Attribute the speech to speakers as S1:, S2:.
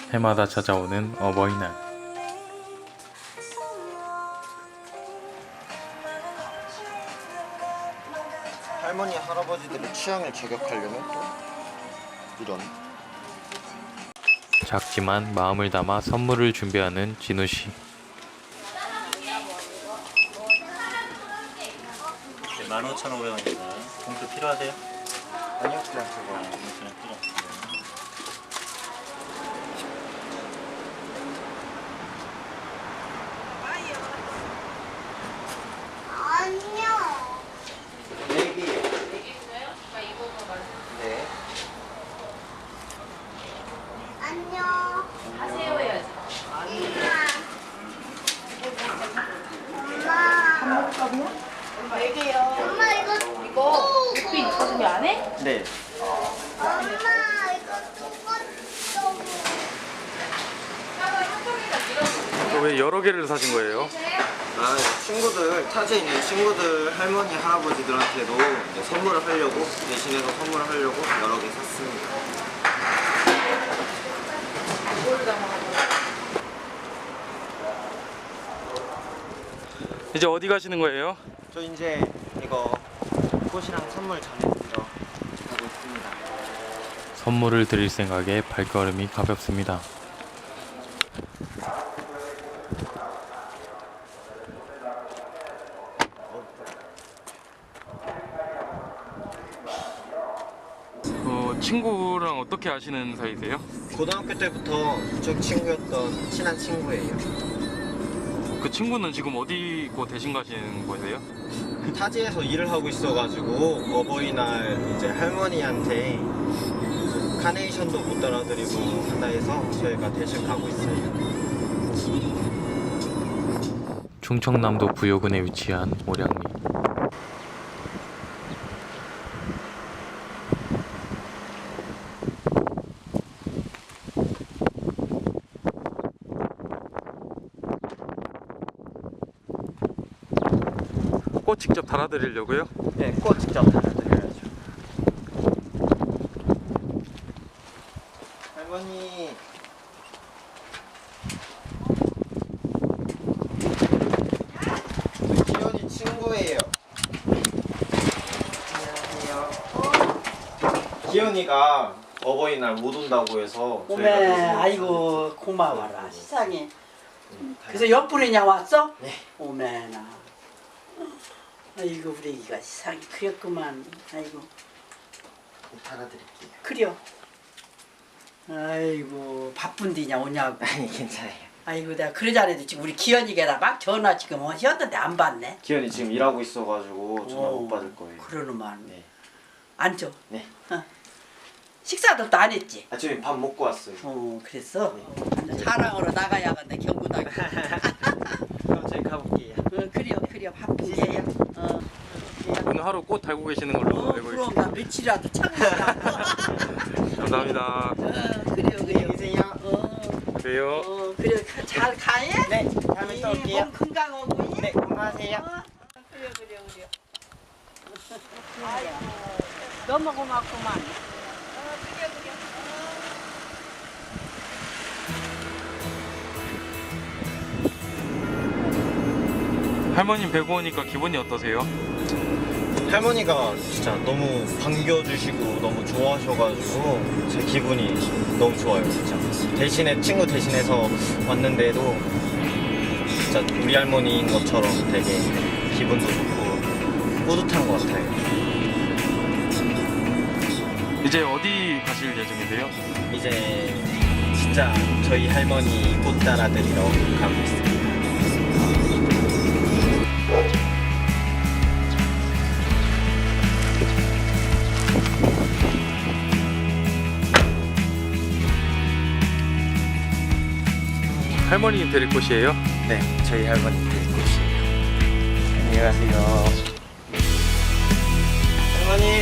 S1: 해마다 찾아오는 어버이날.
S2: 할머니 할아버지들의 취향을 저격하려면 또 이런
S1: 작지만 마음을 담아 선물을 준비하는 진우씨.
S3: 15,500원입니다. 봉투 필요하세요?
S2: 아니요 그냥 저거
S3: 그냥 필요 없어요.
S2: 네 개요. 네.
S4: 하세요 해야지.
S5: 엄마
S4: 이거 육빈 준비 안 해?
S2: 네.
S5: 엄마 이거 똑같어.
S1: 왜 여러 개를 사신 거예요?
S2: 아 친구들 타지에 있는 친구들 할머니 할아버지들한테도 이제 선물을 하려고 대신해서 선물을 하려고 여러 개 샀습니다.
S1: 이제 어디 가시는 거예요?
S2: 저 이제 이거 꽃이랑 선물 전해드리러 가고 있습니다.
S1: 선물을 드릴 생각에 발걸음이 가볍습니다. 친구랑 어떻게 아시는 사이세요?
S2: 고등학교 때부터 무척 친구였던 친한 친구예요.
S1: 그 친구는 지금 어디 있고 대신 가시는 거세요?
S2: 타지에서 일을 하고 있어가지고 어버이날 이제 할머니한테 카네이션도 못 따라드리고 한다 해서 저희가 대신 가고 있어요.
S1: 충청남도 부여군에 위치한 오량리. 꽃 직접 달아드리려고요?
S2: 네, 꽃 직접 달아드려야죠. 할머니. 기현이 친구예요. 안녕하세요. 기현이가 어버이날 못 온다고 해서
S6: 오메,
S2: 저희가 대신
S6: 아이고 고마워라 세상에. 그래서 옆분이냐 왔어?
S2: 네.
S6: 오메나. 아이고 우리 애기가 세상에 그랬구만. 아이고
S2: 달아드릴게요.
S6: 그려. 아이고 바쁜디냐 오냐고.
S2: 아니 괜찮아요.
S6: 아이고 내가 그러자네도 지금 우리 기현이게다 막 전화 지금 하셨는데 안 받네.
S2: 기현이 지금 일하고 있어가지고 전화
S6: 어,
S2: 못 받을 거예요.
S6: 그러는만.
S2: 네.
S6: 앉아.
S2: 네.
S6: 식사도 또 안 했지?
S2: 아침에 밥 먹고 왔어요.
S6: 그랬어?
S2: 네.
S6: 자랑으로 나가야겠네 경구나게.
S2: 그럼 저희 가볼게요.
S6: 그려 바쁘게.
S1: 오늘 하루 꽃 달고 계시는 걸로 알고
S6: 그럼
S1: 있습니다.
S6: 나 며칠이라도 참으라.
S1: 감사합니다.
S6: 그래요.
S2: 계세요.
S1: 그래요.
S6: 그래 잘 가해?
S2: 네, 다음에 또 올게요.
S6: 몸 건강하고.
S2: 네, 건강하세요.
S6: 그래. 아이고 너무 고맙구만. 그래.
S1: 할머님 뵈고 오니까 기분이 어떠세요?
S2: 할머니가 진짜 너무 반겨주시고 너무 좋아하셔가지고 제 기분이 너무 좋아요, 진짜. 대신에 친구 대신해서 왔는데도 진짜 우리 할머니인 것처럼 되게 기분도 좋고 뿌듯한 것 같아요.
S1: 이제 어디 가실 예정이세요?
S2: 이제 진짜 저희 할머니 꽃 따라드리러 가고 있습니다.
S1: 할머니 데릴 곳이에요?
S2: 네, 저희 할머니 데리고 오시요. 안녕히 가세요. 할머니.